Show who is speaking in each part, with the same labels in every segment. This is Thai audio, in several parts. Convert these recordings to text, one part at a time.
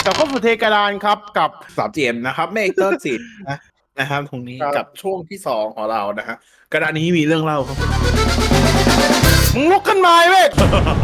Speaker 1: กับข้อสุเทกระดานครับกับ
Speaker 2: 3GM นะครับเมกเตอร์สินะครับตรงนี้กับช่วงที่2ของเรานะฮะกระดานนี้มีเรื่องเล่าครับ
Speaker 1: มึงลุกขึ้นมาเว้ย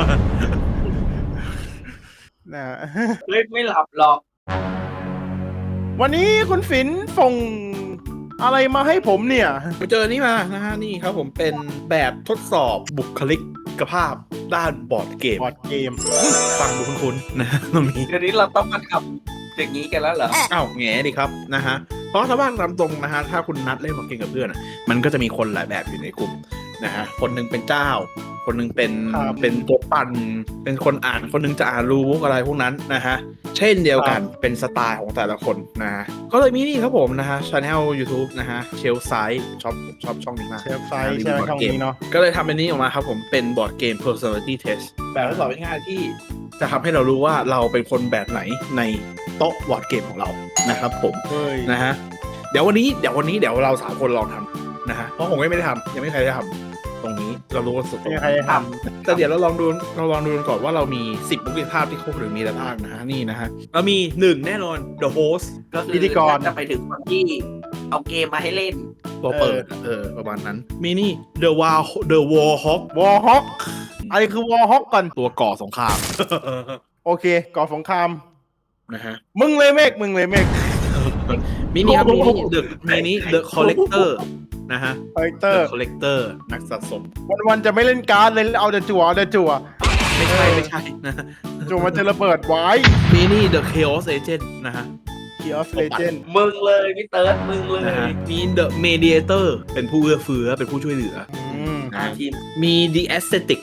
Speaker 1: นะ
Speaker 3: เล่นไม่หลับหรอก
Speaker 1: วันนี้คุณฝินส่งอะไรมาให้ผมเนี่ย
Speaker 2: ไปเจอนี่มานะฮะนี่ครับผมเป็นแบบทดสอบบุคลิกภาพด้านบอร์ดเกม
Speaker 1: บอร์ดเกม
Speaker 2: ฟังดูคุ้นๆนะฮะตรงนี้
Speaker 3: เดี๋ยวนี้เราต้องมาทำอย่างนี้กันแล้วเหรอ
Speaker 2: อ้าวแง่ดิครับนะฮะเพราะถ้าบ้านตามตรงนะฮะถ้าคุณนัดเล่นบอร์ดเกมกับเพื่อนมันก็จะมีคนหลายแบบอยู่ในกลุ่มนะฮะคนหนึงเป็นเจ้าคนหนึงเป็นตัวปั่นเป็นคนอ่านคนหนึงจะอ่านรู้อะไรพวกนั้นนะฮะเช่นเดียวกันเป็นสไตล์ของแต่ละคนนะฮะก็เลยมีนี่ครับผมนะฮะ Channel YouTube นะฮะเชลไซด์ชอบช่องนี้มาก
Speaker 1: เชฟไซส์ใช่ไหมช่องนี้เนาะ
Speaker 2: ก็เลยทำเป็นนี้ออกมาครับผมเป็นบอร์ดเกม personality test แบบทดสอบง่ายๆที่จะทำให้เรารู้ว่าเราเป็นคนแบบไหนในโต๊ะบอร์ดเกมของเรานะครับผม
Speaker 1: เฮ้ย
Speaker 2: นะฮะเดี๋ยววันนี้เดี๋ยวเรา3คนลองทำนะฮะเพราะผมไม่ได้ทำยังไม่มีใครได้ทำตรงนี้เรารู้ว่าสุด
Speaker 1: ไม่มีใครท
Speaker 2: แต่เดี๋ยวเราลองดูกันก่อนว่าเรามี10บุคลิกภาพที่ครบหรือมีอะไรบ้างนะฮะนี่นะฮะเรามี1แน่นอน the host
Speaker 3: ก็คือจะไปถึงคนที่เอาเกมมาให้เล่น
Speaker 2: ตัวเปิดประมาณนั้นมีนี่ the war hawk
Speaker 1: ำวอลฮอกอะไรคือวอลฮอกก่อน
Speaker 2: ตัวก่อสงคราม
Speaker 1: โอเคก่อสงคราม
Speaker 2: นะฮะ
Speaker 1: มึงเลยเมฆ
Speaker 2: มินิครับมินิ the collector นะฮะ
Speaker 1: คาแรคเตอ
Speaker 2: the
Speaker 1: ร์
Speaker 2: collector นักสะสม
Speaker 1: วันจะไม่เล่นการ์ดเลยเอาแต่จั่ว
Speaker 2: ไม่ใช่นะ
Speaker 1: จั่วมันจะระเบิดไว้
Speaker 2: มินิ the chaos agent นะฮะ
Speaker 1: Key of Legend
Speaker 3: มึงเลยพี่เติร์ดมึงเลย
Speaker 2: นะฮะมี the mediator เป็นผู้เอื้อเฟื้อเป็นผู้ช่วยเหลือ
Speaker 3: ทีม
Speaker 2: มี the aesthetic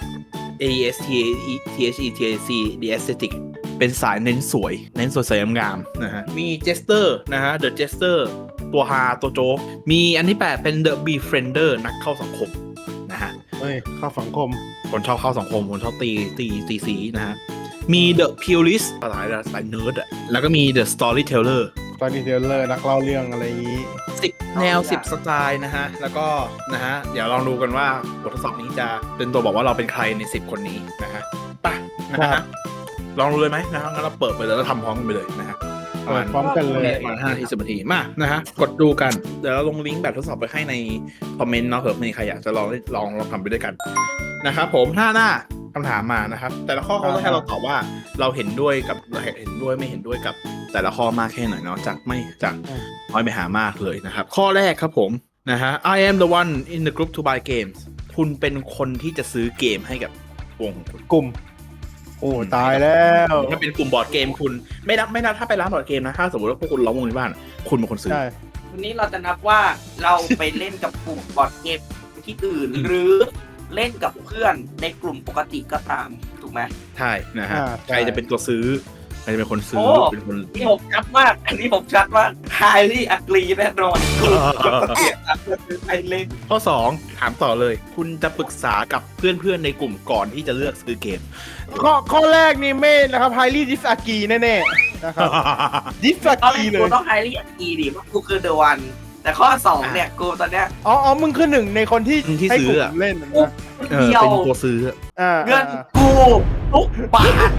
Speaker 2: AESTHETAC the aesthetic เป็นสายเน้นสวยงามนะฮะมี jester นะฮะ the jester ตัวฮาตัวโจ๊กมีอันที่8เป็น the befriender นักเข้าสังคมนะฮะ
Speaker 1: เฮ้ยเข้าสังคม
Speaker 2: คนชอบเข้าสังคมคนชอบตีสีนะฮะมี the purist สายเนิร์ดอะแล้วก็มี the storyteller
Speaker 1: ตอนดีเทลเลอร์นักเล่าเรื่องอะไรอย่างนี้
Speaker 2: 10 แนว 10 สไตล์นะฮะแล้วก็นะฮะเดี๋ยวลองดูกันว่าบททดสอบนี้จะเป็นตัวบอกว่าเราเป็นใครใน10คนนี้นะฮะไปนะฮะลองดูเลยไหมนะฮะงั้นเราเปิดไปเลยแล้วทำพร้อมกันไปเลยนะฮะ
Speaker 1: เปิดพร้อมกันเลย
Speaker 2: ประมาณ5 นาที 10 นาทีมานะฮะกดดูกันเดี๋ยวเราลงลิงก์แบบทดสอบไปให้ในคอมเมนต์เนาะเผื่อมีใครอยากจะลองทำไปด้วยกันนะครับผมหน้าคำถามมานะครับแต่ละข้อเขาจะให้เราตอบว่าเราเห็นด้วยไม่เห็นด้วยกับแต่ละข้อมากแค่ไหนเนาะจากน้อยไปหามากเลยนะครับข้อแรกครับผมนะฮะ I am the one in the group to buy games คุณเป็นคนที่จะซื้อเกมให้กับวงคุณ
Speaker 1: กลุ่มโอ้ตายแล้ว
Speaker 2: ถ้าเป็นกลุ่มบอร์ดเกมคุณไม่นับถ้าไปร้านบอร์ดเกมนะถ้าสมมติว่าพวกคุณล้อมวงในบ้านคุณเป็นคนซื้อ
Speaker 1: ใช่
Speaker 3: วันนี้เราจะนับว่าเราไปเล่นกับกลุ่มบอร์ดเกมที่อื่น หรือเล่นกับเพื่อนในกลุ่มปกติก็ตามถูกไหม
Speaker 2: ใช่นะฮะใครจะเป็นตัวซื้อใครจะเป็นคนซื้อเป็นคน
Speaker 3: นี่ผมชัดมากอันนี้ผมชัดมาก highly agree แน่นอนไอเล่น
Speaker 2: ข้อ2ถามต่อเลย คุณจะปรึกษากับเพื่อนๆในกลุ่มก่อนที่จะเลือกซื้อเกม
Speaker 1: ข้อแรกนี่ไม่นะครับไฮรี่ดิสอากีแน่ๆนะครับดิสอา
Speaker 3: ตอนแร
Speaker 1: กี
Speaker 3: ก
Speaker 1: เล
Speaker 3: กู
Speaker 1: ย
Speaker 3: ต้อง highly agree ดิว่ากูคือ the one แต่ข้อ2เนี่ยกูตอนเนี้ย
Speaker 1: อ๋อมึงคือหนึ่งในคนที่ให้กลุ่มเล่นนะ
Speaker 3: เดียว
Speaker 2: เป็นตัวซื้อ
Speaker 3: เงินกูทุกบาท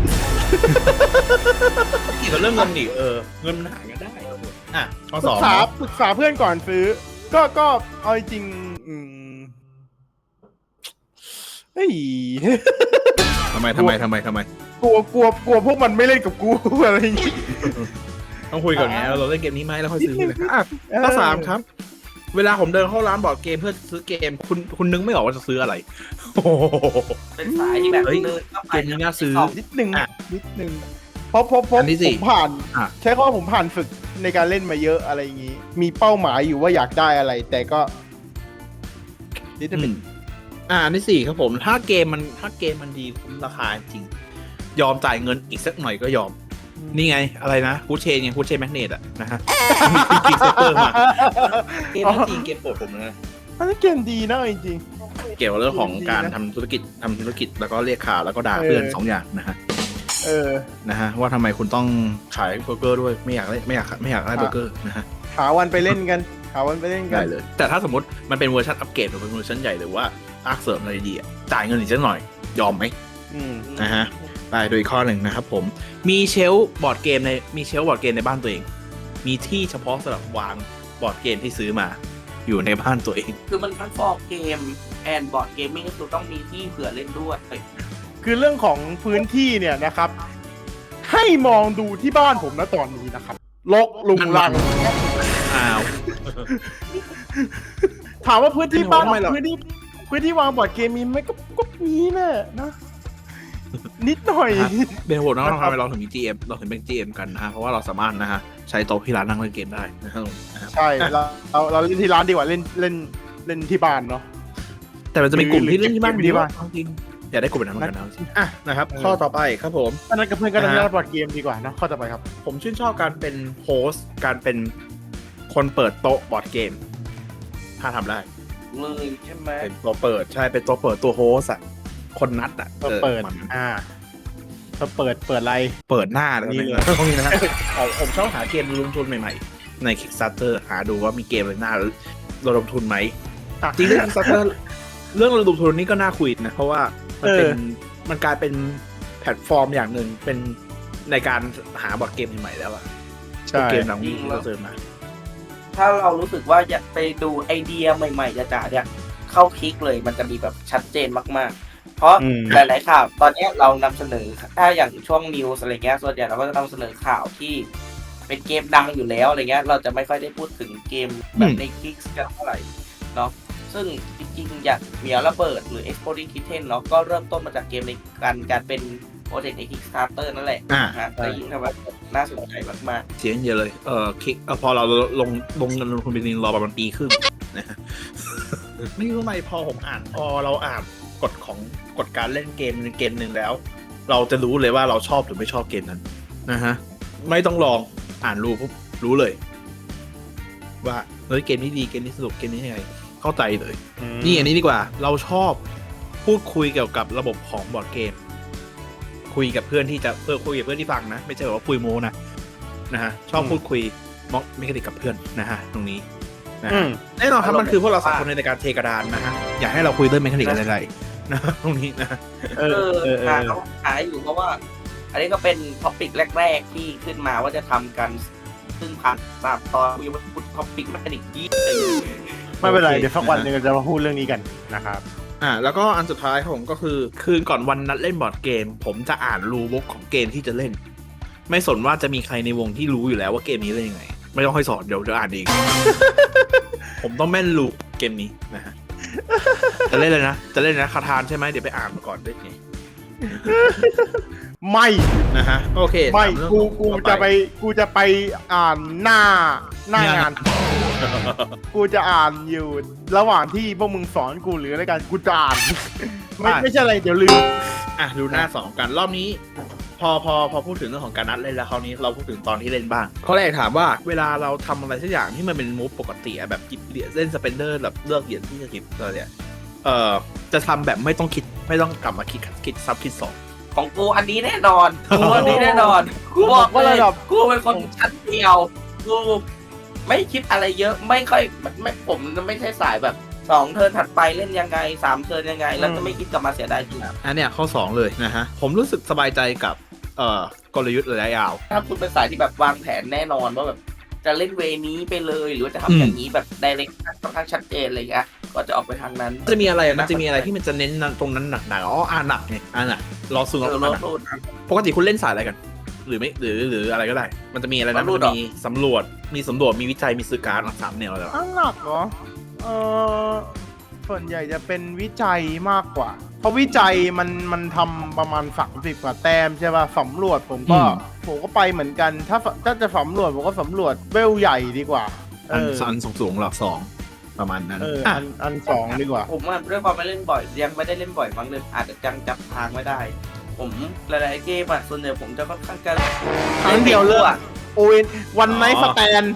Speaker 2: เกี่ยวกับเรื่องเงินดิเงินมันหากันได้อ่ะข้อ
Speaker 1: ปรึกษา
Speaker 2: 2
Speaker 1: ปรึกษาเพื่อนก่อนซื้อ ก็เอาจริงเฮ้ย
Speaker 2: ทำไม
Speaker 1: กลัวพวกมันไม่เล่นกับกูอะไรอย่างงี้
Speaker 2: ต้องคุยก่อนไงเราเล่นเกมนี้ไหมแล้วค่อยซื้อเลยข้อ 3ครับเวลาผมเดินเข้าร้านบอร์ดเกมเพื่อซื้อเกมคุณนึกไม่ออกว่าจะซื้ออะไร
Speaker 3: เป็นสายที่แบบเดินเข้าไป
Speaker 2: เกมนี้น่าซื้อ
Speaker 1: นิดนึงเพราะผมผ่านใช้ข้อผมผ่านฝึกในการเล่นมาเยอะอะไรอย่างงี้ มีเป้าหมายอยู่ว่าอยากได้อะไร แต่ก็นิดนึง
Speaker 2: อันที่4ครับผมถ้าเกมมันดีคุ้มราคาจริงยอมจ่ายเงินอีกสักหน่อยก็ยอมนี่ไงอะไรนะคูเชนไงคูเชนแมกเนตอะนะฮะมีคิกเซอร์มาเกมนั้นจริงเกมโปรดผมนะ
Speaker 1: อันนี้เกมดีนะจริง
Speaker 2: เกี่ยวกับเรื่องของการทำธุรกิจแล้วก็เรียกข่าวแล้วก็ด่าเพื่อน2 อย่างนะฮะนะฮะว่าทำไมคุณต้องขายเบอร์เกอร์ด้วยไม่อยากได้เบอร์เกอร์นะฮะ
Speaker 1: หาวันไปเล่นกัน
Speaker 2: ได้เลยแต่ถ้าสมมติมันเป็นเวอร์ชันอัปเกรดหรือเป็นเวอร์ชันใหญ่หรือว่าภาคเสริมอะไรดีจ่ายเงินอีกสักหน่อยยอมไหมนะฮะไปโดยข้อหนึ่งนะครับผมมีเชลฟ์บอร์ดเกมในบ้านตัวเองมีที่เฉพาะสำหรับวางบอร์ดเกมที่ซื้อมาอยู่ในบ้านตัวเอง
Speaker 3: คือมันทั้งฟอร์เกมแอนบอร์ดเกมมิ่งก็คือต้องมีที่เผื่อเล่นด้วย
Speaker 1: คือเรื่องของพื้นที่เนี่ยนะครับ ให้มองดูที่บ้านผมนะตอนนี้นะครับรกลุงลัง
Speaker 2: อ้าว
Speaker 1: ถามว่าพื้นที่บ้าน
Speaker 2: ไม่หรอก
Speaker 1: พื้นที่วางบอร์ดเกมมีไหมก็มีแหละนะ นิดหน่อย
Speaker 2: เบนโหวตน้องทำไมเราถึงมี GM เราถึงเป็น GM กันนะฮะเพราะว่าเราสามารถนะฮะใช้โต๊ะที่ร้านนั่งเล่นเกมได้นะครับ
Speaker 1: ใช่เราเล่นที่ร้านดีกว่าเล่นที่บ้านเนาะ
Speaker 2: แต่มันจะมีกลุ่มที่เล่นที่บ้าน
Speaker 1: เกมที่บ้าน
Speaker 2: จริงอยากได้กลุ่มแบบนั้นเหมือนกันนะจริงอ่ะนะครับข้อต่อไปครับผม
Speaker 1: อันนั้นกับเพื่อนก็เล่นบอร์ดเกมดีกว่านะข้อต่อไปครับ
Speaker 2: ผมชื่นชอบการเป็นโฮสต์การเป็นคนเปิดโต๊ะบอร์ดเกมถ้าทำได้
Speaker 3: เลยใช่ไหม
Speaker 2: เป็นตัวเปิดใช่เป็นตัวเปิดตัวโฮสต์อ่ะคนนัดอ่ะ
Speaker 1: เปิด
Speaker 2: มัน
Speaker 1: เปิดอะไร
Speaker 2: เปิดหน้าเลย
Speaker 1: นี่เลย
Speaker 2: ตรงนี้นะฮะผมชอบหาเกมระดมทุนใหม่ๆใน Kickstarter หาดูว่ามีเกมอะไรน่าระดมทุนไหมจริงๆ Kickstarter เรื่องระดมทุนนี่ก็น่าคุยนะเพราะว่ามันกลายเป็นแพลตฟอร์มอย่างหนึ่งเป็นในการหาบอร์ดเกมใหม่ๆแล้วอะ
Speaker 1: ใช่
Speaker 2: เกมหนังที่เราเจอมา
Speaker 3: ถ้าเรารู้สึกว่าอยากไปดูไอเดียใหม่ๆจ๋าๆเนี่ยเข้าคลิกเลยมันจะมีแบบชัดเจนมากๆ เพราะหลายๆข่าวตอนนี้เรานำเสนอถ้าอย่างช่วงนิวส์อะไรเงี้ยส่วนใหญ่เราก็จะนำเสนอข่าวที่เป็นเกมดังอยู่แล้วอะไรเงี้ยเราจะไม่ค่อยได้พูดถึงเกมแบบในคลิกกันเท่าไหร่เนาะซึ่งจริงๆอย่างเหมียวระเบิดหรือ Exploding Kitten เนาะก็เริ่มต้นมาจากเกมในการเป็นโปรเจกต์ใน Kickstarter นั่นแหละนะฮะแต่ยิ่งทำแบบน่าสนใจมากๆ
Speaker 2: เสียงเยอะเลยคลิกพอเราลงเงินลงทุนไปนินรอประมาณปีครึ่งนะฮะ ไม่รู้ทำไมพอเราอ่านกฎการเล่นเกมในเกมหนึ่งแล้ว เราจะรู้เลยว่าเราชอบหรือไม่ชอบเกมนั้นนะฮะไม่ต้องลองอ่านปุ๊บรู้เลย ว่าเฮ้ยเกมนี้ดีเกมนี้สนุกเกมนี้ยังไงเข้าใจเลยนี่อันนี้ดีกว่าเราชอบพูดคุยเกี่ยวกับระบบของบอร์ดเกมคุยกับเพื่อนคุยกับเพื่อนที่ฟังนะไม่ใช่ว่าคุยโมนะฮะชอบพูดคุยม็อกไม่คดิกกับเพื่อนนะฮะตรงนี้นะแน่นอนครับมันคือพวกเราสองคนในการเทกระดานนะฮะอยากให้เราคุยเรื่องเมคานิกอะไรๆนะตรงนี้นะ
Speaker 3: หาอยู่เพราะว่า อันนี้ก็เป็นท็อปิกแรกๆที่ขึ้นมาว่าจะทำกันซึ่งผ่าน3 ตอนคุยว่าพูดท็อปิกเมคานิกยี่
Speaker 1: ไม่เป็นไรเดี๋ยวสักวันหนึ่งเราจะมาพูดเรื่องนี้กันนะครับ
Speaker 2: แล้วก็อันสุดท้ายครับผมก็คือคืนก่อนวันนัดเล่นบอร์ดเกมผมจะอ่านรูบุ๊กของเกมที่จะเล่นไม่สนว่าจะมีใครในวงที่รู้อยู่แล้วว่าเกมนี้เล่นยังไงไม่ต้องให้สอนเดี๋ยวอ่านเอง ผมต้องแม่นรูเกมนี้นะฮะจะเล่นเลยนะคาทานใช่ไหมเดี๋ยวไปอ่านมาก่อนได้ไง
Speaker 1: ไม่
Speaker 2: นะฮะโอเค
Speaker 1: ไม่กูจะไปอ่านหน้างาน กูจะอ่านอยู่ระหว่างที่พวกมึงสอนกูหรืออะไรกันกูจะอ่าน ไม่ใช่อะไรเดี๋ยวลืม
Speaker 2: ดูหน้า2กันรอบนี้พอพูดถึงเรื่องของการนัดเล่นแล้วคราวนี้เราพูดถึงตอนที่เล่นบ้างข้อแรกถามว่าเวลาเราทำอะไรสักอย่างที่มันเป็นมูฟปกติแบบกิบเหรียญเล่นสเปนเดอร์แบบเลือกเหรียญที่จะกิบอะไรเนี่ยจะทำแบบไม่ต้องคิดไม่ต้องกลับมาคิดซับคิดสอง
Speaker 3: ของกูอันนี้แน่นอนกูกูบอกว่ากูเป็นคนชั้นเดียวกูไม่คิดอะไรเยอะไม่ค่อยไม่ผมไม่ใช่สายแบบ2 เทิร์นถัดไปเล่นยังไง3 เทิร์นยังไงแล้วจะไม่คิดกลับมาเสียดายจริง
Speaker 2: อันเนี้ยข้อ2เลยนะฮะผมรู้สึกสบายใจกับกลยุทธ์ระยะยาว
Speaker 3: ถ้าคุณเป็นสายที่แบบวางแผนแน่นอนว่าแบบจะเล่นเวนี้ไปเลยหรือว่าจะทำอย่างนี้แบบไดเรกค่อนข้างชัดเจนอะไรอย่างเงี้ยก็จะออกไปทางนั้น
Speaker 2: จะมีอะไรที่มันจะเน้นตรงนั้นหนักหนักไงหนักรอซูงปกติคุณเล่นสายอะไรกันหรือไม่หรืออะไรก็ได้มันจะมีอะไรนะมันมีสำรวจมีวิจัยมีสื่อการ3 แนวแล้ว
Speaker 1: หนักเหรอส่วนใหญ่จะเป็นวิจัยมากกว่าเพราะวิจัยมันทำประมาณ30 กว่าแต้มใช่ป่ะสำรวจผมก็ไปเหมือนกันถ้าจะสำรวจผมก็สำรวจเวลใหญ่ดีกว่า
Speaker 2: อันสูงหลัก2ประมาณนั้น
Speaker 1: อัน2ดีกว่า
Speaker 3: ผมว่าด้วยความไม่เล่นบ่อยยังไม่ได้เล่นบ่อยมั้งเลยอาจจะจับทางไม่ได้ผมหลายๆเกมส่วนใหญ่ผมจะค่อนข้างจะ
Speaker 1: ครั้งเดียวเลยโอ้ยวันไนท์สแตน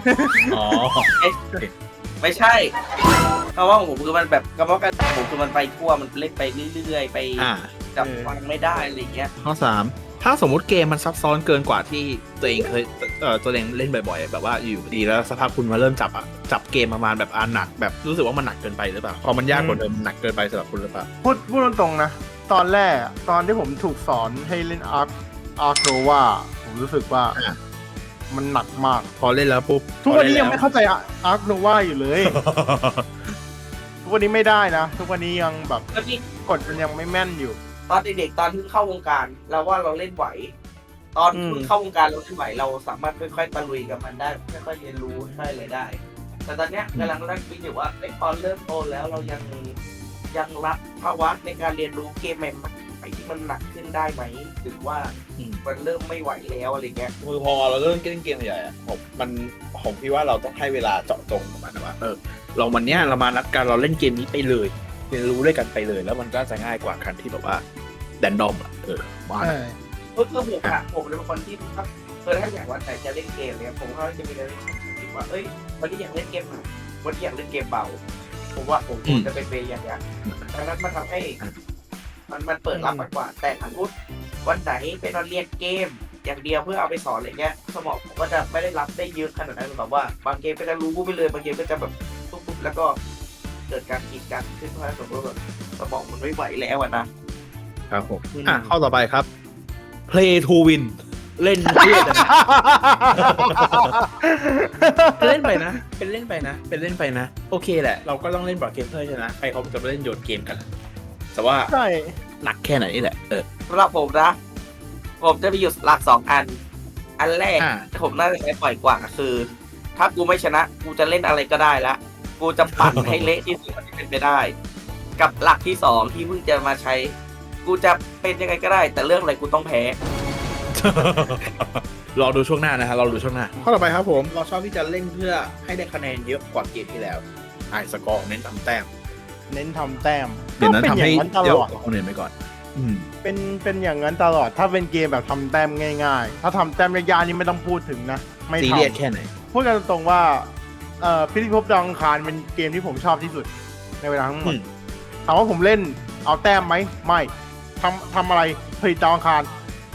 Speaker 3: ไม่ใช่เพราะว่าผมคือมันแบบกระบอกกันผมคือมันไปทั่วมันเล่นไปเรื่อยๆไปจับฟังไม่ได้อะไรเงี้ย
Speaker 2: ข้อ3ถ้าสมมุติเกมมันซับซ้อนเกินกว่าที่ตัวเองเคยตัวเองเล่นบ่อยๆแบบว่าอยู่ดีแล้วสักพักคุณมาเริ่มจับเกมประมาณแบบหนักแบบรู้สึกว่ามันหนักเกินไปหรือเปล่าพอมันยากกว่าเดิมมันหนักเกินไปสำหรับคุณหรือเปล่า
Speaker 1: พูดตรงๆนะตอนแรกตอนที่ผมถูกสอนให้เล่นอาร์โนวาผมรู้สึกว่ามันหนักมาก
Speaker 2: พอเล่นแล้วปุ๊บ
Speaker 1: ทุกวันนี้ยังไม่เข้าใจอาร์โนวาอยู่เลย ทุกวันนี้ไม่ได้นะทุกวันนี้ยังแบบ
Speaker 3: แล้วนี่
Speaker 1: กดมันยังไม่แม่นอยู่
Speaker 3: ตอนเด็กๆตอนที่เข้าวงการเราว่าเราเล่นไหว ตอนเพิ่งเข้าวงการเราเล่นไหวเราสามารถค่อยๆตะลุยกับมันได้ค่อยๆเรียนรู้ค่อยๆอะไรได้ แต่ตอนเนี้ยกำลังนั่งคิดอยู่ว่าตอนเริ่มโตแล้วเรายังรับภาวะในการเรียนรู้เกมใหม่ๆที่มันหนักขึ้นได้ไหมหรือว่ามันเริ่มไม่ไหวแล้วอะไรเงี้ย
Speaker 2: คือพอเราเริ่มเล่นเกมใหญ่อะผมพี่ว่าเราต้องให้เวลาเจาะจงกับมันนะว่าเราวันเนี้ยเรามานัดกันเราเล่นเกมนี้ไปเลยเรียนรู้ด้วยกันไปเลย แล้วมันก็จะง่ายกว่าการที่แบบว่าแดนดอมว่านะ
Speaker 3: ผมเป็นคนที่ถ้าอยากวันไหนจะเล่นเกมเนี่ยผมก็จะมีเรื่องคิดว่าวันนี้อยากเล่นเกมหนักวันนี้อยากเล่นเกมเบาผมว่าผมจะเป็นเวย์อย่างเงี้ยดังนั้นมันทำให้มันเปิดรับมากกว่าแต่ถ้าพูดวันไหนเป็นวันเรียนเกมอย่างเดียวเพื่อเอาไปสอนอะไรเงี้ยสมองผมก็จะไม่ได้รับได้เยอะขนาดนั้นแบบว่าบางเกมก็จะรู้ไปเลยบางเกมก็จะแบบปุ๊บแล้วก็เกิดการกีดกันขึ้นเพราะสมมติแบบสมองมันไม่ไหวแล้วนะครับ
Speaker 2: ผมข้อต่อไปครับ play to win เล่นเพื่อจะเล่นไปนะเป็นเล่นไปนะโอเคแหละเราก็ต้องเล่นบอร์ดเกมเพื่อชนะใครเขาจะไปเล่นโยนเกมกันแต่ว่า
Speaker 1: ใช่
Speaker 2: หนักแค่ไหนนี่แหละ
Speaker 3: สำหรับผมนะผมจะมีอยู่หลัก2 อันแรกผมน่าจะใช้ปล่อยกว่าคือ ถ้ากูไม่ชนะกูจะเล่นอะไรก็ได้ละกูจะปั่นให้เละที่สุดที่เป็นไปได้ กับหลักที่2ที่เพิ่งจะมาใช้กูจะเป็นยังไงก็ได้ แต่เรื่องอะไรกูต้องแพ้
Speaker 2: รอดูช่วงหน้านะฮะรอดูช่วงหน้าข้อต่อไปครับผมเราชอบที่จะเล่นเพื่อให้ได้คะแนนเยอะกว่าเกมที่แล้วไอสกอร์เน้นทำแต้ม
Speaker 1: เน้นทำแต้ม
Speaker 2: เดี๋ยวนั้น
Speaker 1: ก็
Speaker 2: ทำให้
Speaker 1: เป็นอย่างนั้นต
Speaker 2: เย
Speaker 1: ล
Speaker 2: อะ
Speaker 1: อด
Speaker 2: กว่าคนอื่นไปก่อน
Speaker 1: เป็นอย่างนั้นตลอดถ้าเป็นเกมแบบทำแต้มง่ายๆถ้าทำแต้มยากๆนี่ไม่ต้องพูดถึงนะไม่
Speaker 2: ซี
Speaker 1: ท
Speaker 2: เรียสแค่ไหน
Speaker 1: ำพูดกันตรงๆว่าพิธีภพดาวอังคารเป็นเกมที่ผมชอบที่สุดในเวลาทั้งหมดถามว่าผมเล่นเอาแต้มไหมไม่ทำอะไรผลิตดาวอังคาร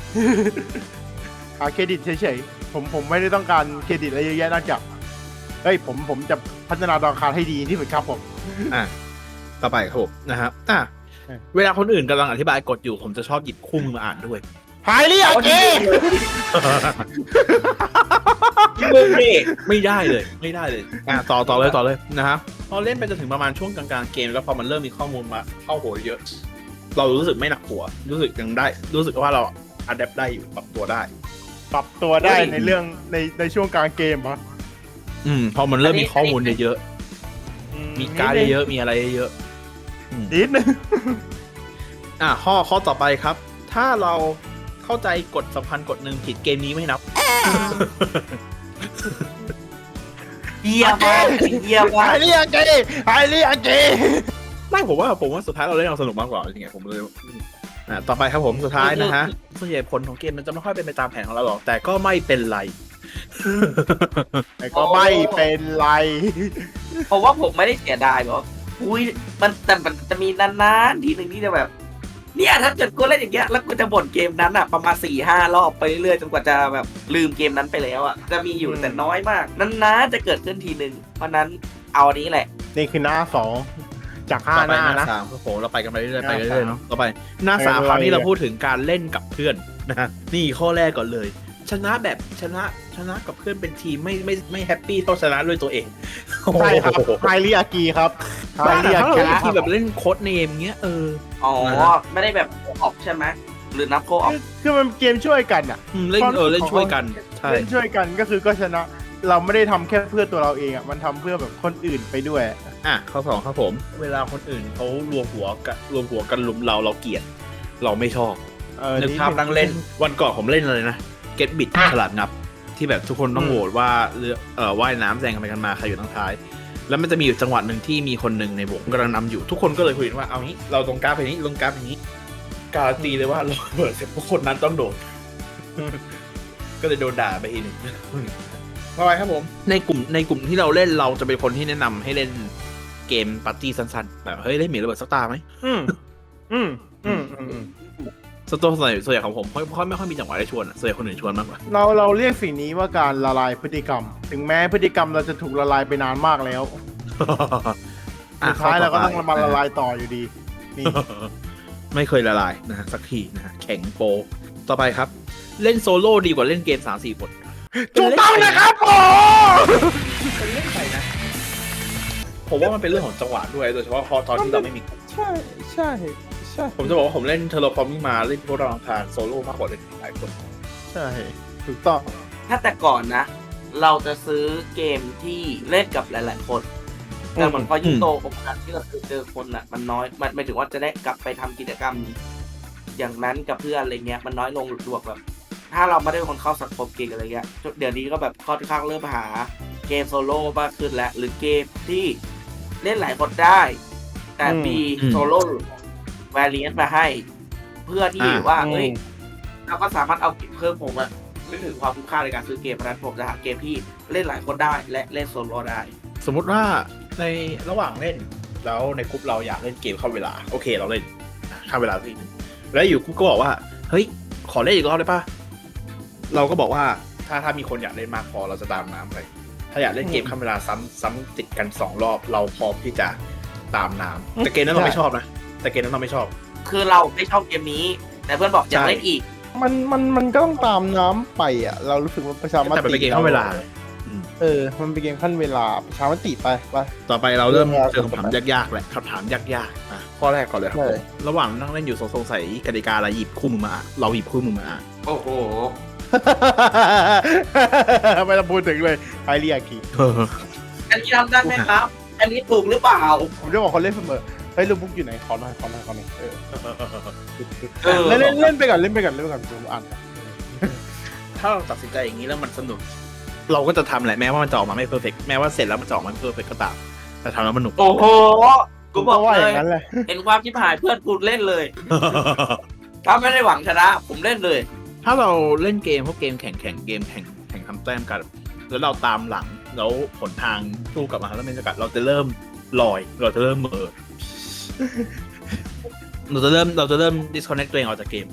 Speaker 1: หาเครดิตเฉยๆผมไม่ได้ต้องการเครดิตอะไรเยอะแยะนอกจากผมจะพัฒนาดาวอังคารให้ดีที่สุดครับผม
Speaker 2: ต่อไปครับผมนะครับเวลาคนอื่นกำลังอธิบายกฎอยู่ผมจะชอบหยิบคู่มือมาอ่านด้วย
Speaker 1: หายเรียกเก
Speaker 3: มึงดิ
Speaker 2: ไม่ได้เลยต่อเลยนะครับพอเล่นไปจนถึงประมาณช่วงกลางๆเกมแล้วพอมันเริ่มมีข้อมูลมาเข้าหัวเยอะ เรารู้สึกไม่หนักหัวรู้สึกยังได้รู้สึกว่าเราอัดแอปได้อยู่ปรับตัวได้
Speaker 1: ในเรื่องในช่วงกลางเกมเหรอ
Speaker 2: พอมันเริ่มมีข้อมูลเยอะมีการเยอะมีอะไรเยอะ
Speaker 1: นิดนึง
Speaker 2: ข้อต่อไปครับถ้าเราเข้าใจกฎสำคัญกฎหนึ่งผิดเกมนี้ไม่นับ
Speaker 3: เยี่ยมมาก
Speaker 1: หายเรียกเก
Speaker 2: ไม่ผมว่าสุดท้ายเราเล่นเอาสนุกมากกว่าจริงๆผมเลยต่อไปครับผมสุดท้ายนะฮะส่วนใหญ่ผลของเกมมันจะไม่ค่อยเป็นไปตามแผนของเราหรอกแต่ก็ไม่เป็นไร
Speaker 3: เพราะว่าผมไม่ได้เสียดายบอกมันจะมีนานๆทีหนึ่งที่จะแบบเนี่ยถ้าเกิดกูเล่นอย่างเงี้ยแล้วกูจะบ่นเกมนั้นอ่ะประมาณ 4-5 รอบไปเรื่อยๆจนกว่าจะแบบลืมเกมนั้นไปแล้วอ่ะจะมีอยู่แต่น้อยมากนานๆจะเกิดขึ้นทีหนึ่งเพราะนั้นเอาอันนี้แหละ
Speaker 1: นี่คือหน้า2จาก5หน้านะ
Speaker 2: 3ครับผมเราไปกันไปเรื่อยๆเนาะต่อไปหน้า3คราวนี้เราพูดถึงการเล่นกับเพื่อนนะนี่ข้อแรกก่อนเลยชนะแบบชนะกับเพื่อนเป็นทีมไม่แฮปปี้เท่าชนะด้วยตัวเอง
Speaker 1: ใช่ครับไฮริอากีครับ
Speaker 2: ไฮริอากีที่แบบเล่นโค้ดเนมเงี้ย
Speaker 3: ไม่ได้แบบออกใช่ไหมหรือนับโคออก
Speaker 1: คือมันเกมช่วยกันอ่ะ
Speaker 2: เล่นช่วยกัน
Speaker 1: เล่นช่วยกันก็คือก็ชนะเราไม่ได้ทำแค่เพื่อตัวเราเองอ่ะมันทำเพื่อแบบคนอื่นไปด้วย
Speaker 2: ข้อ2ครับผมเวลาคนอื่นเขารวมหัวกันลุมเราเกลียดเราไม่ชอบนึกภาพนั่งเล่นวันก่อนผมเล่นเลยนะเก็ตบิดฉลาดงับที่แบบทุกคนต้องโหวตว่าว่ายน้ำแซงกันไปกันมาใครอยู่ทางท้ายแล้วมันจะมีอยู่จังหวะหนึ่งที่มีคนหนึ่งในวงกำลังนำอยู่ทุกคนก็เลยคุยกันว่าเอางี้เราตรงกราฟไปนี้ลงกราฟอย่างนี้การันตีเลยว่าเราเปิดเสร็จทุกคนนั้นต้องโดน ก็เลยโดนด่าไปทีนึงต่อไปครับผมในกลุ่มที่เราเล่นเราจะเป็นคนที่แนะนำให้เล่นเกมปาร์ตี้สั้นๆแบบเฮ้ยเล่นหมีระเบิดสักตาไหมส่วนใหญ่ของผมไม่ค่อยมีจังหวะได้ชวนส่วนใหญ่คนอื่นชวนมากกว่า
Speaker 1: เราเรียกสิ่งนี้ว่าการละลายพฤติกรรมถึงแม้พฤติกรรมเราจะถูกละลายไปนานมากแล้วสุดท้ายเราก็ต้องมาละลายต่ออยู่ดีนี่
Speaker 2: ไม่เคยละลายนะฮะสักทีนะฮะแข็งโปต่อไปครับเล่นโซโล่ดีกว่าเล่นเกม 3-4 คน
Speaker 1: ถูกต้องนะครับผม
Speaker 2: เป็นเล่นไปนะผมว่ามันเป็นเรื่องของจังหวะด้วยโดยเฉพาะพอตอนที่เราไม่มี
Speaker 1: ใช่ใช่ใช่
Speaker 2: ผมจะบอกว่าผมเล่นเทอร์โลฟอร์มิ่งมาเล่นพวกเราอังคารโซโล่มากกว่าเล่นหลายคน
Speaker 1: ใช่ถูกต้อง
Speaker 3: ถ้าแต่ก่อนนะ เราจะซื้อเกมที่เล่นกับหลายๆคนแต่เหมือนพอยิ่งโตโอกาสที่เราเจอคนอ่ะมันน้อยมันหมายถึงว่าจะได้กลับไปทำกิจกรรม อย่างนั้นกับเพื่อนอะไรเงี้ยมันน้อยลงหรือแบบ ถ้าเราไม่ได้เป็นคนเข้าสังคมเกมอะไรเงี้ยเดี๋ยวนี้ก็แบบค่อนข้างเริ่มหาเกมโซโล่มากขึ้นแล้วหรือเกมที่เล่นหลายคนได้ แต่มีโซโล่แวรีนต์มาให้ เพื่อที่ว่าเอ้ยเราก็สามารถเอาเพิ่มผมอะนึกถึงความคุ้มค่าในการซื้อเกมเพราะฉะนั้นผมจะหาเกมที่เล่นหลายคนได้และเล่นโซโล่ได้
Speaker 2: สมมุติว่าในระหว่างเล่นแล้วในกลุ่มเราอยากเล่นเกมเข้าเวลาโอเคเราเล่นเข้าเวลาทีนึงแล้วอยู่กลุ่มก็บอกว่าเฮ้ยขอเล่นอีกรอบได้ปะเราก็บอกว่าถ้ามีคนอยากเล่นมากพอเราจะตามน้ำไปถ้าอยากเล่นเกมเข้าเวลาซ้ำติดกัน2 รอบเราพร้อมที่จะตามน้ำแต่เกมนั้นเราไม่ชอบนะแต่เกมนั้นเราไม่ชอบ
Speaker 3: คือเราไม่ชอบเกมนี้ แต่เพื่อนบอกอยากเล่นอีก
Speaker 1: มันก็ต้องตามน้ำไปอ่ะเรารู้สึกว่าประชาม
Speaker 2: แต่
Speaker 1: ติ
Speaker 2: เป็นเกมเข้าเวลา
Speaker 1: มันเป็นเกมขั้นเวลาประชามติไป
Speaker 2: ต่อไปเราเริ่มเจอคำถามยากๆแหละคำถามยากๆอ่ะข้อแรกก่อนเลยครับผมระหว่างนั่งเล่นอยู่สงสัยกติกาอะไรหยิบคู่มือมาอ่ะเราหยิบคู่มือมาอ่ะ
Speaker 3: โอ้โห
Speaker 1: ไม่ต้องพูดถึงเลยไฮเรียกี
Speaker 3: อันนี้ทำได้ไหมครับ อันนี้ถูกหรือเปล่า
Speaker 1: ผมจะบอกคนเล่นเสมอเฮ้ยลูกบุ๊กอยู่ไหนขอหน่อยเล่นไปก่อนผมอ่าน
Speaker 2: ถ้าเราตัดสินใจอย่างนี้แล้วมันสนุก เราก็จะทำแหละแม้ว่ามันจะออกมาไม่เพอร์เฟกต์แม้ว่าเสร็จแล้วมันจะออกมาไม่เพอร์เฟกต์ก็ตามแต่ทำแล้วมันหนุก
Speaker 3: โอ้โห กูบอก
Speaker 1: ว่า
Speaker 3: เล
Speaker 1: อย ย่างนั้นแหละ
Speaker 3: เห็นความชิบหายเพื่อนกูเล่นเลย ถ้าไม่ได้หวังชนะ ผมเล่นเลย
Speaker 2: ถ้าเราเล่นเกมพวกเกมแข่งเกมแข่งทำแต้มกันแล้วเราตามหลังแล้วผลทางสู้กลับมาแล้วเป็นสกัดเราจะเริ่มลอยเราจะเริ่มเหม่อเราจะเริ่ม disconnect ตัวเองออกจากเกม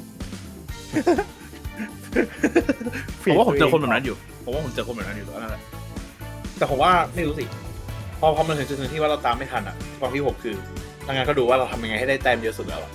Speaker 2: ผมว่าผมเจอคนแบบนั้นอยู่ตอนนั้นแหละแต่ผมว่าไม่รู้สิพอมันถึงจุดหนึ่งที่ว่าเราตามไม่ทันอ่ะความที่ผมคือทางงานก็ดูว่าเราทำยังไงให้ได้แต้มเยอะสุดแล้ว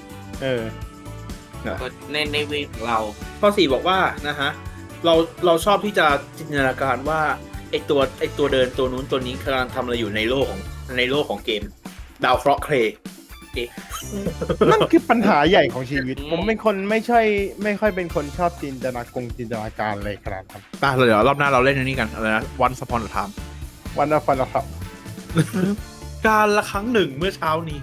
Speaker 3: ในเวของเรา
Speaker 2: ข้อ 4บอกว่านะฮะเราชอบที่จะจินตนาการว่าไอตัวเดินตัวนู้นตัวนี้กำลังทำอะไรอยู่ในโลกของเกมดาวเคราะห์เคร
Speaker 1: นั่นคือปัญหาใหญ่ของชีวิต ผมเป็นคนไม่ค่อยเป็นคนชอบจินตนาการเลยขนาดนั้น
Speaker 2: ป่ะเดี๋ยวรอบหน้าเราเล่นอันนี้กันอะไรนะ Once Upon a Time
Speaker 1: วันละฟันละครับ
Speaker 2: การละครั้งหนึ่งเมื่อเช้านี้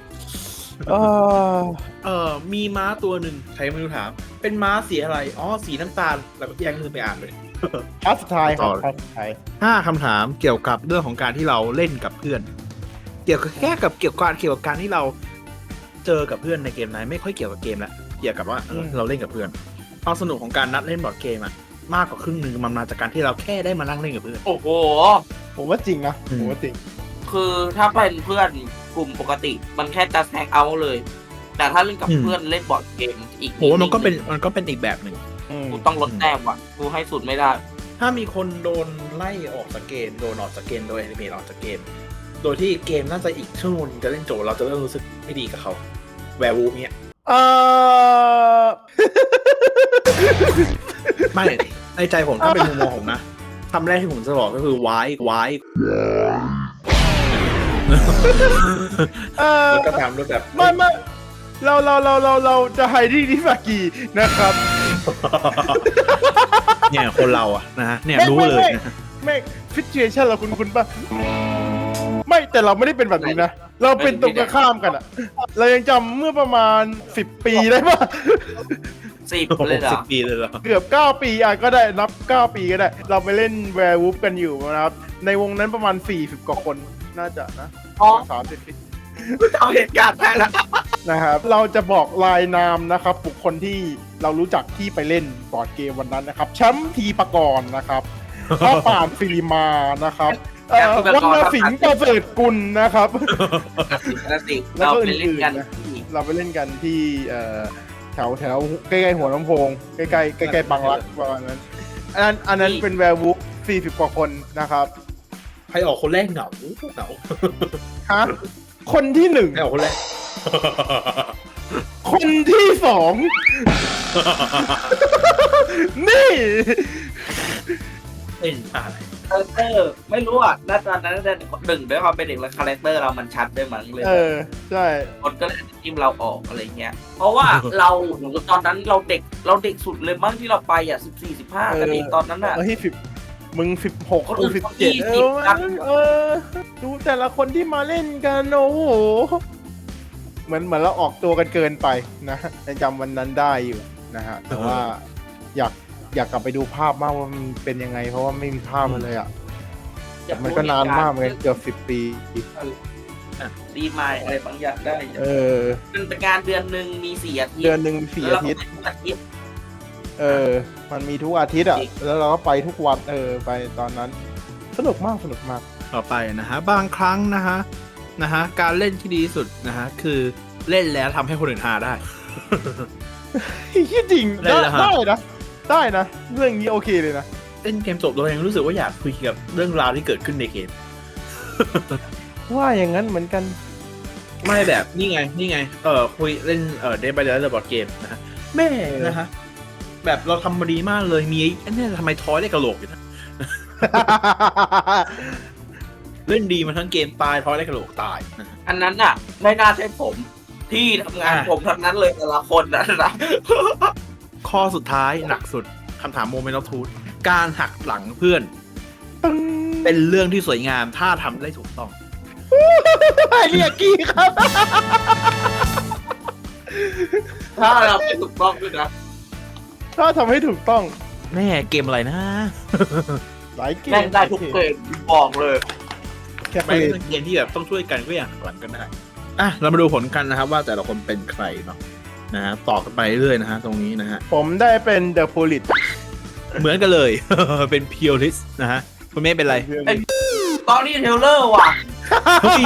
Speaker 2: มีม้าตัวหนึ่งใครไม่รู้ถามเป็นม้าสีอะไรอ๋อสีน้ำตาลแล้วก็แย่งลืมไปอ่านเลย
Speaker 1: พาร์ทสุดท้ายครับพาร์ทสุดท้าย
Speaker 2: 5 คำถามเกี่ยวกับเรื่องของการที่เราเล่นกับเพื่อนเกี่ยวกับการที่เราเจอกับเพื่อนในเกมไหนไม่ค่อยเกี่ยวกับเกมละเกี่ยวกับว่าเราเล่นกับเพื่อนความสนุกของการนัดเล่นบอร์ดเกมอะมากกว่าครึ่งนึงมันมาจากการที่เราแค่ได้มานั่งเล่นกับเพื่อน
Speaker 3: โอ้โห
Speaker 1: ผมว่าจริงนะผมว่าจริง
Speaker 3: คือถ้าเป็นเพื่อนกลุ่มปกติ มันแค่จะแฮงเอาท์เลย แต่ถ้าเล่นกับเพื่อนเล่นบอร์ดเกมอีก
Speaker 2: โหมันก็เป็นอีกแบบหนึ่ง
Speaker 3: กูต้องลดแต้มว่ะกูให้สุดไม่ได้
Speaker 2: ถ้ามีคนโดนไล่ออกจากเกมโดนออกจากเกมโดยแอนิเมตออกจากเกมโดยที่เกมน่าจะอีกชั่วโมงจะเล่นจบเราจะเริ่มรู้สึกไม่ดีกับเขาแวร์วูฟเนี่ยไม่ในใจผมถ้าเป็นมุมมองผมนะคำแรกที่ผมจะบอกก็คือวายแล้วก็ตามด้วยแบบ
Speaker 1: ไม่เราจะไฮดี้นิฟากีนะครับ
Speaker 2: เนี่ยคนเราอะนะฮะเนี่ยรู้เลยนะ
Speaker 1: ไม่ฟิชเชชั่นเราคุณป่ะไม่แต่เราไม่ได้เป็นแบบนี้นะเราเป็นตรงกันข้ามกันอะเรายังจำเมื่อประมาณ10 ปีได้ป่ะ
Speaker 3: 10 เลยเหรอ
Speaker 2: 10 ปีเลยเหรอ
Speaker 1: เกือบ9 ปีก็ได้นับ9 ปีก็ได้เราไปเล่นแวร์วูฟกันอยู่นะครับในวงนั้นประมาณ40 กว่าคนน่าจะนะ30 ปี
Speaker 3: เอาเหตุการณ์ได้แล้ว
Speaker 1: นะครับเราจะบอกรายนามนะครับบุคคลที่เรารู้จักที่ไปเล่นบอร์ดเกมวันนั้นนะครับแชมป์ทีปกรณ์นะครับข้าป่านฟิลิมานะครับวรรณสิงห์ประเสริฐกุลนะครับแล้วก็อื่นๆนะเราไปเล่นกันที่แถวใกล้ๆหัวลำโพงใกล้ๆบางรักประมาณนั้นอันนั้นเป็นแวร์วูฟ40 กว่าคนนะครับ
Speaker 2: ใครออกคนแรกเหงา
Speaker 1: ฮะคนที่1
Speaker 2: ใครออกคนแรก
Speaker 1: คนที่สองนี่
Speaker 2: เป็นอะไร
Speaker 3: คาแรคเตอร์ไม่รู้อ่ะณตอนนั้นน่าจะหนึ่งด้วยความเป็นเด็กแล้วคาแรคเตอร์เรามันชัดด้วยมั้งเลย
Speaker 1: ใช่
Speaker 3: คนก็เลยจิ้มเราออกอะไรเงี้ยเพราะว่าเราตอนนั้นเราเด็กสุดเลยมั้งที่เราไปอ่ะ14-15กันเองตอนนั้นอ่ะ
Speaker 1: มึง16
Speaker 3: คน
Speaker 1: กู
Speaker 3: อื่น
Speaker 1: 17
Speaker 3: ครับ
Speaker 1: ดูแต่ละคนที่มาเล่นกันโอ้โหเหมือนเราออกตัวกันเกินไปนะยังจำวันนั้นได้อยู่นะฮะแต่ว่าอยากกลับไปดูภาพมากว่ามันเป็นยังไงเพราะว่าไม่มีภาพมันเลยอ่ะมันก็นานมากเลยเกือบ10 ปี
Speaker 3: ดีมายอะไรบางอย่างได้ มันเป็นงานเดือนหนึ่งมี4 อาทิตย์
Speaker 1: เดือนหนึ่ง4 อาทิตย์
Speaker 3: อาทิตย์
Speaker 1: มันมีทุกอาทิตย์อ่ะแล้วเราก็ไปทุกวันไปตอนนั้นสนุกมาก
Speaker 2: ต่อไปนะฮะบางครั้งนะฮะการเล่นที่ดีที่สุดนะฮะคือเล่นแล้วทำให้คนอื่นฮาได้
Speaker 1: จริงได้นะเรื่องนี้โอเคเลยนะ
Speaker 2: เล่นเกมจบเรายังรู้สึกว่าอยากคุยกับเรื่องราวที่เกิดขึ้นในเกม
Speaker 1: ว่าอย่างนั้นเหมือนกัน
Speaker 2: ไม่แบบนี่ไงคุยเล่นDead by Daylight บอร์ดเกมนะฮะแม่นะฮะแบบเราทำมาดีมากเลยมีไอ้เนี่ยทำไมทอยได้กระโหลกอยู่นะ เล่นดีมาทั้งเกมตายทอยได้กระโหลกตายนะ
Speaker 3: อันนั้นอ่ะไม่น่าใช่ผมที่ทำงานผมทั้งนั้นเลยแต่ละคนนะ
Speaker 2: ข้อสุดท้ายหนักสุดคำถามโมเมนต์ออฟทูธการหักหลังเพื่อนเป็นเรื่องที่สวยงามถ้าทำได้ถูกต้อง
Speaker 1: เรียกกี้ครับ
Speaker 3: ถ้าเราไม่ถูกต้องด้วยนะ
Speaker 1: ถ้าทำให้ถูกต้อง
Speaker 2: แม่เกมอะไรนะ
Speaker 1: หลายเกม
Speaker 3: แม่งได้ทุกเกมบอกเลย
Speaker 1: แค่
Speaker 2: ไม่เป็นเกมที่แบบต้องช่วยกันก็อย่างหักหลังกันได้เรามาดูผลกันนะครับว่าแต่ละคนเป็นใครเนาะนะฮะต่อกันไปเรื่อยๆนะฮะตรงนี้นะฮะ
Speaker 1: ผมได้เป็น The Police
Speaker 2: เหมือนกันเลย เป็น Purist นะฮะคุณเมฆเป็นไร
Speaker 3: ตอนนี้เทเลอร์ว่ะ
Speaker 2: เฮ้ย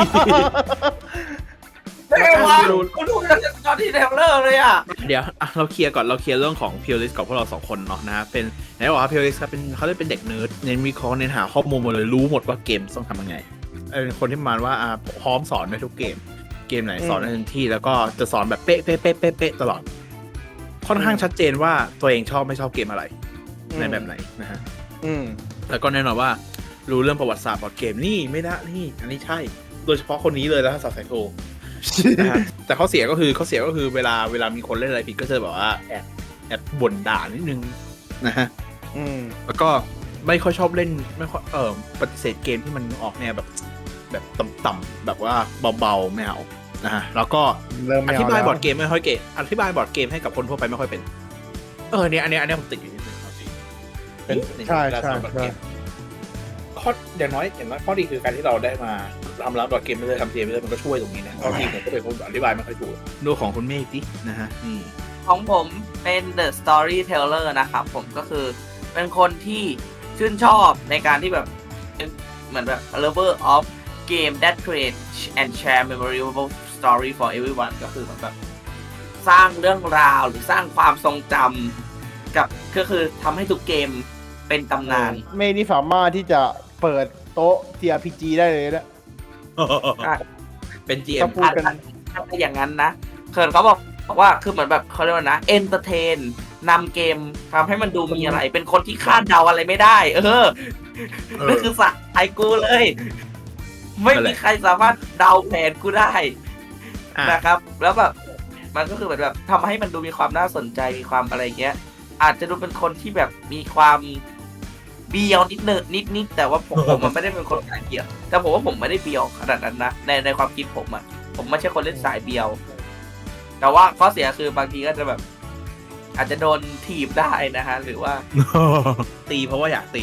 Speaker 3: ได้ไงวะกูดูตอนที่เทเลอร์เลยอ่ะ
Speaker 2: เดี๋ยวเราเคลียร์ก่อนเราเคลียร์เรื่องของ Purist กับพวกเรา2 คนเนาะนะฮะเป็นไหนบอกว่า Purist ครับเขาได้เป็นเด็กเนิร์ดเน้นวิเคราะห์เน้นหาข้อมูลหมดเลยรู้หมดว่าเกมต้องทำยังไงเป็นคนที่ประมาณว่าพร้อมสอนในทุกเกมไหนสอนได้ทันทีแล้วก็จะสอนแบบเป๊ะตลอดค่อนข้างชัดเจนว่าตัวเองชอบไม่ชอบเกมอะไรในแบบไหนนะฮะแล้วก็แน่นอนว่ารู้เรื่องประวัติศาสตร์บอร์ดเกมนี่ไม่ได้นี่อันนี้ใช่โดยเฉพาะคนนี้เลยแล้วสาวไซโคนะฮะแต่ข้อเสียก็คือเวลามีคนเล่นอะไรผิดก็จะแบบว่าแอบบ่นด่านิดนึงนะฮะแล้วก็ไม่ค่อยชอบเล่นไม่ค่อยปฏิเสธเกมที่มันออกแนวแบบต่ำๆแบบว่าเบาๆไม่เอานะฮะแล้วก็อธิบายบอร์ดเกมไม่ค่อยเก่งอธิบายบอร์ดเกมให้กับคนทั่วไปไม่ค่อยเป็นเนี่ยอันนี้ผมติดอยู่นิดนึงเป็นใช่ข้ออย่างน้อยข้อดีคือการที่เราได้มาทำร้านบอร์ดเกมไม่ได้ทำเกมไม่ได้มันก็ช่วยตรงนี้นะข้อดีผมก็เป็นคนอธิบายไม่ค่อยถูกดูของคุณเมฆดินะฮะนี่
Speaker 3: ของผมเป็น The Storyteller นะครับผมก็คือเป็นคนที่ชื่นชอบในการที่แบบเหมือนแบบ lover of game that create and share memorable story for everyone ก็คือแบบสร้างเรื่องราวหรือสร้างความทรงจำกับก็คือทำให้ทุกเกมเป็นตำนาน
Speaker 1: เมย์นี่สามารถที่จะเปิดโต๊ะ TRPG ได้เลยนะ
Speaker 2: เป็น GM
Speaker 1: พูดกัน
Speaker 3: ถ้าเป็นอย่างนั้นนะเขาบอกว่าคือเหมือนแบบเขาเรียกว่านะ entertain นำเกมทำให้มันดูมีอะไรเป็นคนที่คาดเดาอะไรไม่ได้นั่นคือสัตว์ไทยกูเลย ไม่มีใครสามารถเดาแผนกูได้นะครับแล้วแบบมันก็คือแบบทำให้มันดูมีความน่าสนใจมีความอะไรเงี้ยอาจจะดูเป็นคนที่แบบมีความเบียวนิดแต่ว่าผมมันไม่ได้เป็นคนสายเบียวแต่ผมว่าผมไม่ได้เบียวขนาดนั้นนะในความคิดผมไม่ใช่คนเล่นสายเบียวแต่ว่าข้อเสียคือบางทีก็จะแบบอาจจะโดนถีบได้นะฮะหรือว่า
Speaker 2: ตีเพราะว่าอยากตี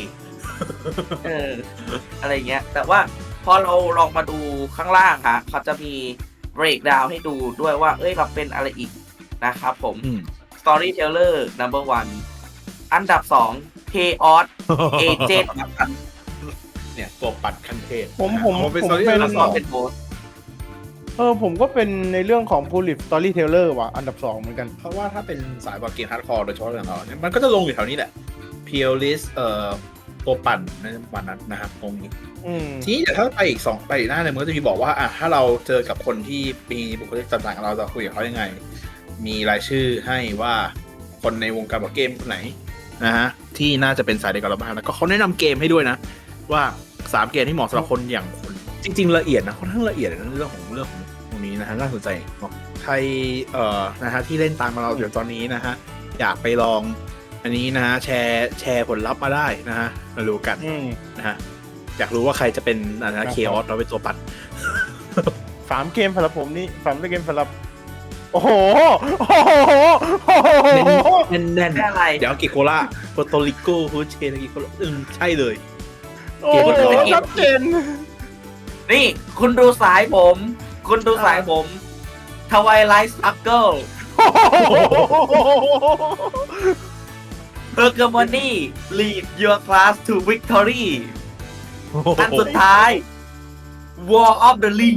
Speaker 3: อะไรเงี้ยแต่ว่าพอเราลองมาดูข้างล่างค่ะเขาจะมี breakdown ให้ดูด้วยว่าเราเป็นอะไรอีกนะครับผม Storyteller number 1 อันดับ 2 Chaos Agent
Speaker 2: เนี่ยตัวปัดขั้นเทพ
Speaker 1: ผมเป็น
Speaker 3: Storyteller เป็นโบส
Speaker 1: ผมก็เป็นในเรื่องของ Police Storyteller ว่ะอันดับ 2เหมือนกัน
Speaker 2: เพราะว่าถ้าเป็นสายบอร์ดเกมฮาร์ดคอร์โดยเฉพาะอย่างเราเนี่ยมันก็จะลงอยู่แถวนี้แหละ Purist ตัวปั่นในวันนั้นนะครับตรงนี้ทีนี้เดี๋ยวถ้าไปอีกหน้าเนี่ยมันก็จะมีบอกว่าถ้าเราเจอกับคนที่มีบุคลิกต่างๆเราจะคุยกับเขายังไงมีรายชื่อให้ว่าคนในวงการบอร์ดเกมคนไหนนะฮะที่น่าจะเป็นสายเดียวกับเราบ้างแล้วก็เขาแนะนำเกมให้ด้วยนะว่า3เกมที่เหมาะสำหรับคนอย่างคุณจริงๆละเอียดนะค่อนข้างละเอียดนะเรื่องของตรงนี้นะฮะน่าสนใจเนาะใครนะฮะที่เล่นตามมาเราเดี๋ยวตอนนี้นะฮะอยากไปลองอันนี้นะฮะแชร์ผลลัพธ์มาได้นะฮะมาดูกันนะฮะอยากรู้ว่าใครจะเป็นนะเคออสเราเป็นตัวปัด
Speaker 1: 3 เกมสำหรับผมนี่3 เกมสำหรับโอ้โหโอ้โหโอ้โห
Speaker 2: แน่น
Speaker 3: อะไร
Speaker 2: เดี๋ยวกิโคล่าโปรโตริโกฮูเชนกิโคล่าใช่เลย
Speaker 1: โอ้โหชัดเจน
Speaker 3: นี่คุณดูสายผม คุณดูสายผมทวายไลท์สตั๊กเกิลเฮอร์เกอร์มอนี่ lead your class to victory อันสุดท้าย War of the Ring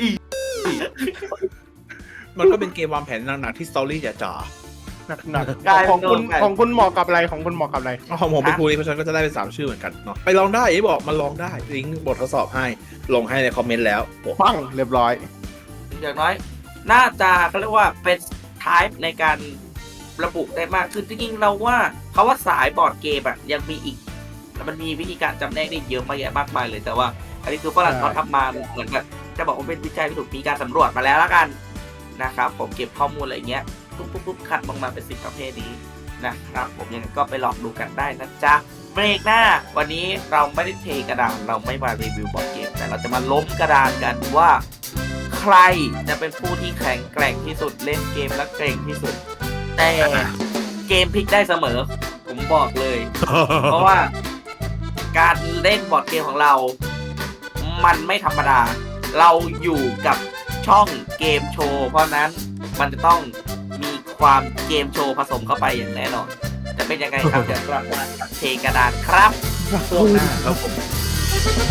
Speaker 2: มันก็เป็นเกมวางแผนหนักๆที่สตอรี่จ๋า
Speaker 1: หนักของคุณเหมาะกับอะไรของคุณเหมาะกับอะไร
Speaker 2: ๆของผมเป็นพูลิเพราะฉะนั้นก็จะได้เป็น3ชื่อเหมือนกันเนาะไปลองได้บอกมันลองได้ลิงก์บททดสอบให้ลงให้ในคอมเมนต์แล้ว
Speaker 1: ปังเรียบร้อย
Speaker 3: อย่างน้อย น่าจะเขาเรียกว่าเป็น type ในการระบุได้มากขึ้นจริงๆเราว่าเขาว่าสายบอร์ดเกมอะยังมีอีกมันมีวิธีการจำแนกได้เยอะมากแยะมากมายเลยแต่ว่าอันนี้คือฝรั่งเขาทำมาเหมือนแบบจะบอกว่าเป็นวิจัยที่ถูกมีการสำรวจมาแล้วละกันนะครับผมเก็บข้อมูลอะไรเงี้ยปุ๊บคัดออกมาเป็น10 ประเภทนี้นะครับผมยังไงก็ไปลองดูกันได้นะจ๊ะเบรกหน้าวันนี้เราไม่ได้เทกระดานเราไม่มารีวิวบอร์ดเกมแต่เราจะมาล้มกระดานกันว่าใครจะเป็นผู้ที่แข็งแกร่งที่สุดเล่นเกมและเก่งที่สุดแต่เกมพลิกได้เสมอผมบอกเลย เพราะว่าการเล่นบอร์ดเกมของเรามันไม่ธรรมดาเราอยู่กับช่องเกมโชว์เพราะนั้นมันจะต้องมีความเกมโชว์ผสมเข้าไปอย่างแน่นอนจะเป็นยังไงครับเดี๋ยวกลับมาเทกระดานครับ
Speaker 2: ช่วงหน้าครับผม